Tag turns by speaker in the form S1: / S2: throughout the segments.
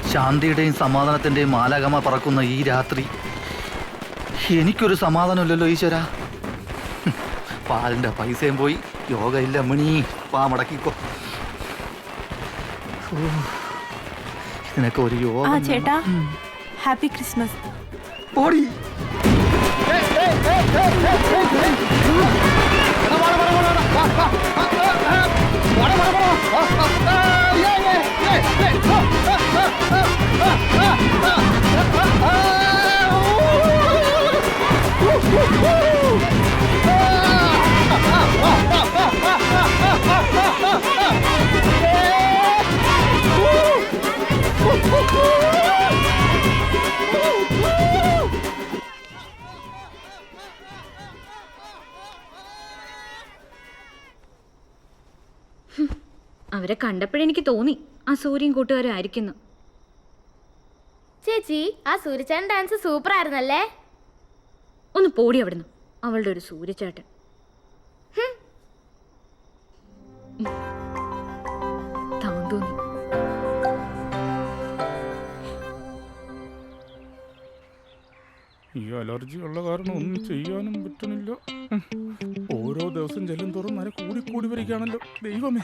S1: ശാന്തിയുടെയും സമാധാനത്തിന്റെയും മാലാകമ പറക്കുന്ന ഈ രാത്രി എനിക്കൊരു സമാധാനമില്ലല്ലോ ഈശ്വര. പാലിന്റെ പൈസയും പോയി, യോഗ ഇല്ല മണി. പാ മടക്കിക്കോ. ഇതിനൊക്കെ ഒരു യോഗ.
S2: ചേട്ടാ, ഹാപ്പി ക്രിസ്മസ്.
S1: ഓടി
S3: അവരെ കണ്ടപ്പോഴെനിക്ക് തോന്നി ആ സൂര്യൻ കൂട്ടുകാരും ആയിരിക്കുന്നു.
S4: ചേച്ചി, ആ സൂര്യചേട്ടൻ ഡാൻസ് സൂപ്പർ ആയിരുന്നല്ലേ?
S3: ഒന്ന് പോടി അവിടുന്ന്, അവളുടെ ഒരു സൂര്യചേട്ടൻ. താന്തോന്നി.
S5: ഈ അലർജി ഉള്ള കാരണം ഒന്നും ചെയ്യാനും പറ്റണില്ല. ഓരോ ദിവസം ചെല്ലും തോറും നര കൂടി കൂടി വരികയാണല്ലോ ദൈവമേ.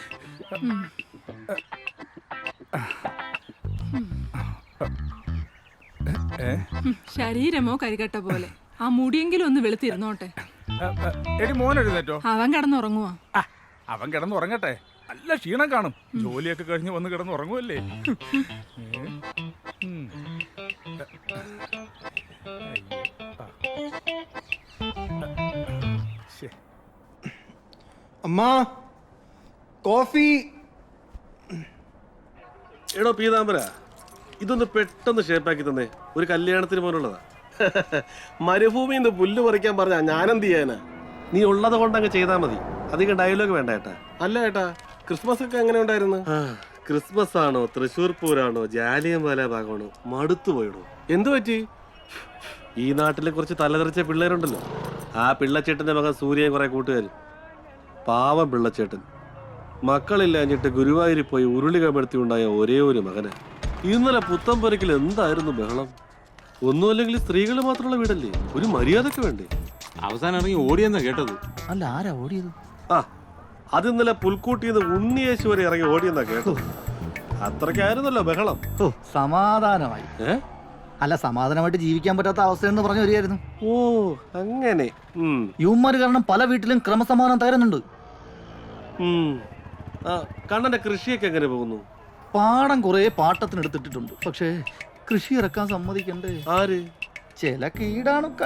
S6: ശരീരമോ കരികട്ട പോലെ. ആ മുടിയെങ്കിലും ഒന്ന് വെളുത്തിരുന്നോട്ടെ.
S5: എടി മോൻ എഴുന്നേറ്റോ?
S6: അവൻ കിടന്നുറങ്ങുവാ.
S5: അവൻ കിടന്നുറങ്ങട്ടെ, നല്ല ക്ഷീണം കാണും. ജോലിയൊക്കെ കഴിഞ്ഞ് വന്ന് കിടന്നുറങ്ങുമല്ലേ.
S7: അമ്മാ, കോഫി.
S8: എടോ പീതാംബര, ഇതൊന്ന് പെട്ടെന്ന് ഷേപ്പാക്കി തന്നെ. ഒരു കല്യാണത്തിന് പോലുള്ളതാ. മരുഭൂമിയിൽ നിന്ന് പുല്ല് പറിക്കാൻ പറഞ്ഞാ ഞാനെന്ത് ചെയ്യാനാ? നീ ഉള്ളത് കൊണ്ടങ്ങ് ചെയ്താൽ മതി. അധികം ഡയലോഗ് വേണ്ട ഏട്ടാ. അല്ല ഏട്ടാ, ക്രിസ്മസ് ഒക്കെ എങ്ങനെ ഉണ്ടായിരുന്നു? ക്രിസ്മസ് ആണോ, തൃശ്ശൂർ പൂരാണോ, ജാലിയൻവാല ഭാഗമാണോ, മടുത്തു പോയിടോ. എന്തു പറ്റി? ഈ നാട്ടിലെ കുറച്ച് തലതെറിച്ച പിള്ളേരുണ്ടല്ലോ, ആ പിള്ളച്ചേട്ടന്റെ മകൻ സൂര്യൻ കുറെ കൂട്ടുകാർ. പാവം പിള്ളച്ചേട്ടൻ മക്കളില്ലാഞ്ഞിട്ട് ഗുരുവായൂരിൽ പോയി ഉരുളി കമഴ്ത്തി ഉണ്ടായ ഒരേ ഒരു മകന്. ഇന്നലെ പുത്തമ്പുരക്കിൽ എന്തായിരുന്നു ബഹളം. ഒന്നുമല്ലെങ്കിൽ സ്ത്രീകൾ മാത്രമുള്ള വീടല്ലേ, ഒരു മര്യാദക്ക് വേണ്ടേ?
S9: അവസാനം ഇറങ്ങി ഓടിയെന്നാ കേട്ടത്.
S1: അല്ല, ആരാ ഓടിയത്?
S8: ആ, അത് ഇന്നലെ പുൽക്കൂട്ടിന്ന് ഉണ്ണിയേശു വരെ ഇറങ്ങി ഓടിയെന്നാ കേട്ടത്. അത്രയ്ക്കായിരുന്നല്ലോ ബഹളം.
S1: ഓ, സമാധാനമായി. അല്ല, സമാധാനമായിട്ട് ജീവിക്കാൻ പറ്റാത്ത അവസ്ഥയെന്ന് പറഞ്ഞു വരികയായിരുന്നു.
S8: ഓ, അങ്ങനെ.
S1: യുവന്മാര് കാരണം പല വീട്ടിലും ക്രമസമാധാനം തകരുന്നുണ്ട്.
S8: കണ്ണന്റെ കൃഷിയൊക്കെ എങ്ങനെ പോകുന്നു?
S1: പാടം കുറെ പാട്ടത്തിനെടുത്തിട്ടുണ്ട്. പക്ഷേ കൃഷി ഇറക്കാൻ സമ്മതിക്കണ്ടേ?
S8: ആര്?
S1: ചില കീടാണുക്കൾ.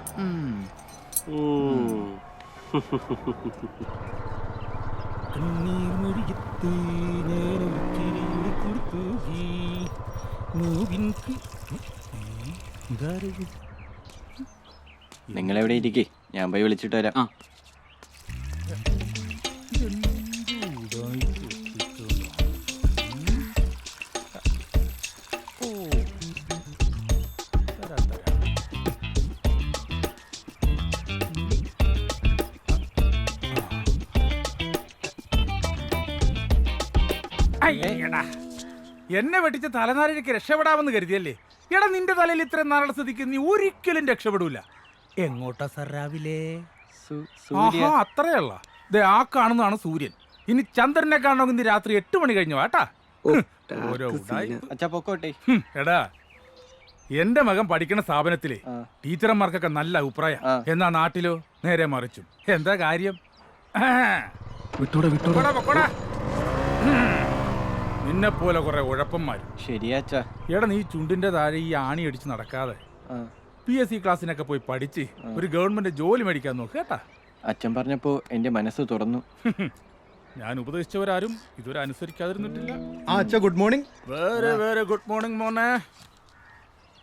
S9: നിങ്ങളെവിടെ ഇരിക്കേ, ഞാൻ പോയി വിളിച്ചിട്ട് വരാം.
S5: എന്നെ വെട്ടിച്ച് തലനാരിഴയ്ക്ക് രക്ഷപ്പെടാമെന്ന് കരുതിയല്ലേ? എടാ, നിന്റെ തലയിൽ ഇത്രയും നാളെ സ്ഥിതിക്ക് നീ ഒരിക്കലും രക്ഷപ്പെടൂല. എങ്ങോട്ടാ സർ രാവിലെ? ആഹാ, അത്രയല്ല. ആ കാണുന്നതാണ് സൂര്യൻ. ഇനി ചന്ദ്രനെ കാണണമെങ്കിൽ ഇന്ന് രാത്രി 8 മണി കഴിഞ്ഞു വാട്ടാ. എടാ, എന്റെ മകൻ പഠിക്കുന്ന സ്ഥാപനത്തിലെ ടീച്ചർമാർക്കൊക്കെ നല്ല അഭിപ്രായം. എന്നാ നാട്ടിലോ നേരെ മറിച്ചും. എന്താ കാര്യം? നിന്നെ പോലെ കുറെ ഉഴപ്പന്മാരും.
S9: ശരിയാച്ചാ.
S5: എടാ, നീ ചുണ്ടിന്റെ താഴെ ഈ ആണി അടിച്ച് നടക്കാതെ PSC ക്ലാസ്സിനൊക്കെ പോയി പഠിച്ച് ഒരു ഗവൺമെന്റ് ജോലി മേടിക്കാൻ നോക്ക് കേട്ടാ.
S9: അച്ഛൻ പറഞ്ഞപ്പോ എന്റെ മനസ്സ് തുറന്നു.
S5: ഞാൻ ഉപദേശിച്ചവരാരും ഇതുവരെ അനുസരിക്കാതിരുന്നിട്ടില്ല.
S7: Good morning.
S5: Very very good morning മോനെ.